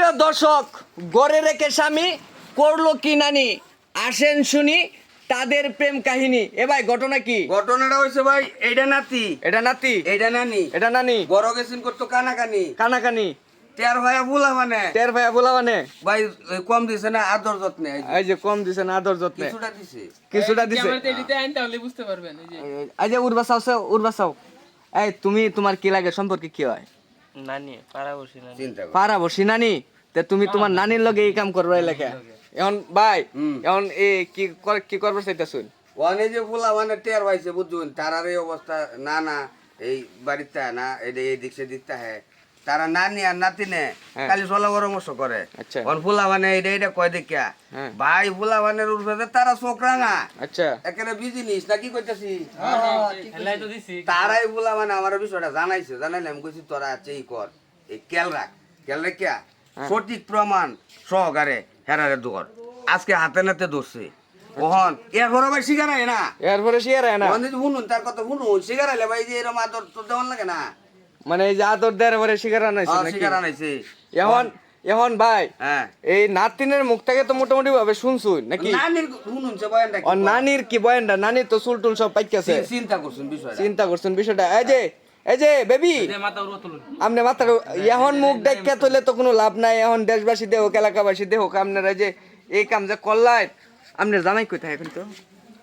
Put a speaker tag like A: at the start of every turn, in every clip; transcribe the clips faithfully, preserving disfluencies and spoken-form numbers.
A: দর্শক, গড়ে রেখে স্বামী করলো কি নানি, আসেন শুনি তাদের প্রেম কাহিনী। এ ভাই ঘটনা কি?
B: ঘটনাটা হয়েছে ভাই, এইটা নাতি,
A: এটা নাতি,
B: এইটা নানি,
A: এটা নানি,
B: বড় গেছেন করতো কানাকানি,
A: কানাকানি,
B: তের ভাইয়া বুলা মানে
A: টের ভাইয়া বলা মানে
B: ভাই ওই কম দিছে না আদর যত্নে, এই যে
A: এই যে কম দিছে না আদর যত্নে
B: কিছুটা দিছে।
A: কিছুটা দিছে।
C: ক্যামেরাতে এডিটে আইন তাহলে বুঝতে পারবেন। এই যে
A: এই যে উর্বাসাও সে উর্বাসাও, এই তুমি তোমার কি লাগে সম্পর্কে কি হয়?
C: নানি পাড়াবসি নানি
B: চিন্তা কর
A: পারা বসি নানি, তে তুমি তোমার নানির লগে এই কাম করবে লেখা এখন ভাই
B: হুম।
A: এখন এ কি কর- কি করবে সেটা শুন।
B: ওখানে যে বুলা মানে টের পাইছে বুঝুন, তারার এই অবস্থা না না এই বাড়িতে না এটা এই দিক সেদিক হ্যাঁ তারা নানি আর নাতি নে
A: হ্যাঁ।
B: খালি চলা পরামর্শ করে।
A: আচ্ছা।
B: ওর ফুলা মানে এইটা এইটা কয় দেখিয়া
A: হ্যাঁ।
B: ভাই ফুলা মানে উঠবে তারা চোখ রাঙা
A: আচ্ছা
B: একেবারে বিজি নিস না কি করতেছি
C: হেলাই তো দিছি
B: তারাই বলা মানে আমার বিষয়টা জানাইছে জানাইলে আমি কইছি তোরা আছে এই কর এই কেল রাখ কেল রাখিয়া সঠিক প্রমাণ সহকারে হেরারে দোর আজকে হাতে নাতে ধরছে ওহন এরপরে ভাই শিকার হয় না
A: এরপরে শিয়ার না
B: ওহন যদি শুনুন তার কথা শুনুন শিকার হলে ভাই যে এরকম আদর তো দেওয়ান লাগে না
A: মানে এই যে আদর দেয় পরে শিকার আনাইছে
B: আর
A: নাকি?
B: শিকার আনাইছে
A: এখন এখন ভাই
B: হ্যাঁ
A: এই নাতিনের মুখ থেকে তো মোটামুটি ভাবে শুনছুন নাকি?
B: নানির শুনুন সে বয়ানটা কি
A: আর নানির কি বয়ানটা, নানির তো চুল টুল সব পাইকাছে,
B: চি- চিন্তা করছেন বিষয়টা
A: চিন্তা করছেন বিষয়টা। এই যে এই যে বেবি
C: মাথা উড়ো তুলুন
A: আপনি মাথার এখন মুখ দেখা তুলে তো কোনো লাভ নাই। এখন দেশবাসী দেহ এলাকাবাসী দেহ আপনারা যে এই কাম যে করলেন, আপনার জামাই কোথায় এখন? তো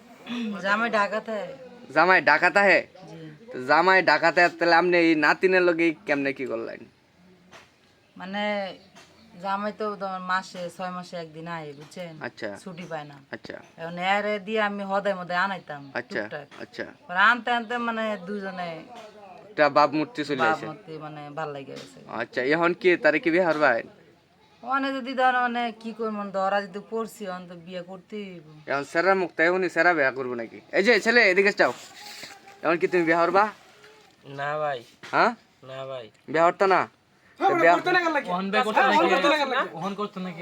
D: জামাই ঢাকাতে।
A: জামাই ডাকাতা হে,
D: জি
A: তো জামাই ডাকাতে তাহলে আপনি এই নাতিনের লগে কেমনে কি করলেন?
D: মানে জামাই তো তোমার মাসে ছয় মাসে একদিন আয় বুঝছেন,
A: আচ্ছা
D: ছুটি পায় না।
A: আচ্ছা
D: এখন এর দিয়ে আমি হদায় মধ্যে আনাইতাম
A: আচ্ছা
D: টুকটাক।
A: আচ্ছা
D: পরে আনতে আনতে মানে দুজনে
A: একটা বাপ মূর্তি চলে আসে।
D: বাপমতি মানে ভাল লাগে গেছে।
A: আচ্ছা এখন কি তারে কি বিয়ে হারবাই?
D: অনেক যদি ধর মানে কি করবো, ধরা যদি পড়ছি অন তো বিয়ে করতেই হইব।
A: এখন সেরা মুখ তাই উনি সেরা বিয়া করবো নাকি? এই যে ছেলে এদিকে যাও, এখন কি তুমি বিয়ে হারবা?
C: না ভাই
A: হ্যাঁ
C: না ভাই
A: বিয়ে হরতা না? তো বিয়া-
C: ওহন ভাই করতে নাকি ওহন করতে নাকি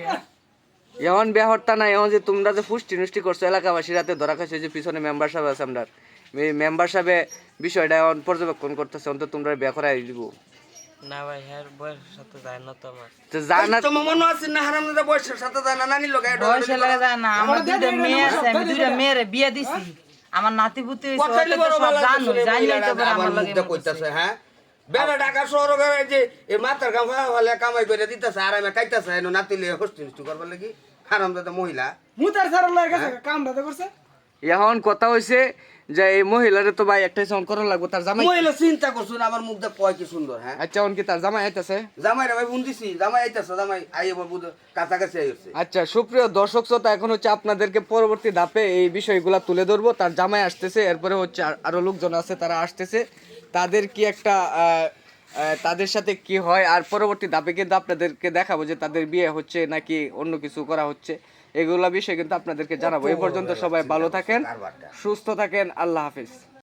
A: এখন বিয়ে হরতা না, এখন যে তোমরা যে ফুষ্টি নুষ্টি করছো এলাকাবাসী রাতে ধরা খাইছো, যে পিছনে মেম্বার সাহেব আছে আমরা মেম্বার সাহেবে বিষয়টা এখন পর্যবেক্ষণ করতেছে, অন্তত তোমরা বিয়ে করাই দিব।
C: না ভাই হ্যাঁ বয়সের সাথে যায় না তো আমার
A: তো জানা
B: তোমার মনে আছে না হারাম দাদা বয়সের সাথে যায় না নানির লোক
D: বয়সে লাগে যায় না, আমার দুইটা মেয়ে আছে, আমি দুইটা মেয়েরে বিয়ে দিছি। আমার নাতি পুতি হইছে,
B: কথাই
D: ওটা তো
B: বড়
D: সব
B: ভালো
D: জানো,
B: শুনে
D: জানলেই তো
B: মহিলারা
D: পরে
B: আবার
D: আমার লগে
B: মুখটা কইতাছে হ্যাঁ বেলা ঢাকা শহর করে যে এই মাথার কাম হলে কামাই করে দিতেছে আর আমি কাইতাছে এনো নাতিলে হস্তি হস্তি করবার লাগি হারাম দাদা মহিলা
E: মুতার সারা লাগে গেছে কাম দাদা করছে
A: এখন কথা হইছে যে এই মহিলারে তো ভাই একটাই সাউন্ড করা লাগবে, তার জামাই।
B: মহিলা চিন্তা করছুন আমার মুখটা কয় কি সুন্দর হ্যাঁ
A: আচ্ছা এখন কি তার জামাই আইতাছে?
B: জামাই রে ভাই ফোন দিছি জামাই আইতাছে জামাই আই এবার বুঝ কাছাকাছি আইছে
A: আচ্ছা সুপ্রিয় দর্শক শ্রোতা, এখন হচ্ছে আপনাদেরকে পরবর্তী ধাপে এই বিষয়গুলা তুলে ধরবো। তার জামাই আসতেছে, এরপরে হচ্ছে আর- আরো লোকজন আছে তারা আসতেছে, তাদের কি একটা আহ, আহ, তাদের সাথে কি হয়, আর পরবর্তী ধাপে কিন্তু আপনাদেরকে দেখাবো যে তাদের বিয়ে হচ্ছে নাকি অন্য কিছু করা হচ্ছে, এগুলা বিষয় কিন্তু আপনাদেরকে জানাবো। এই পর্যন্ত সবাই ভালো থাকেন, সুস্থ থাকেন, আল্লাহ হাফিজ।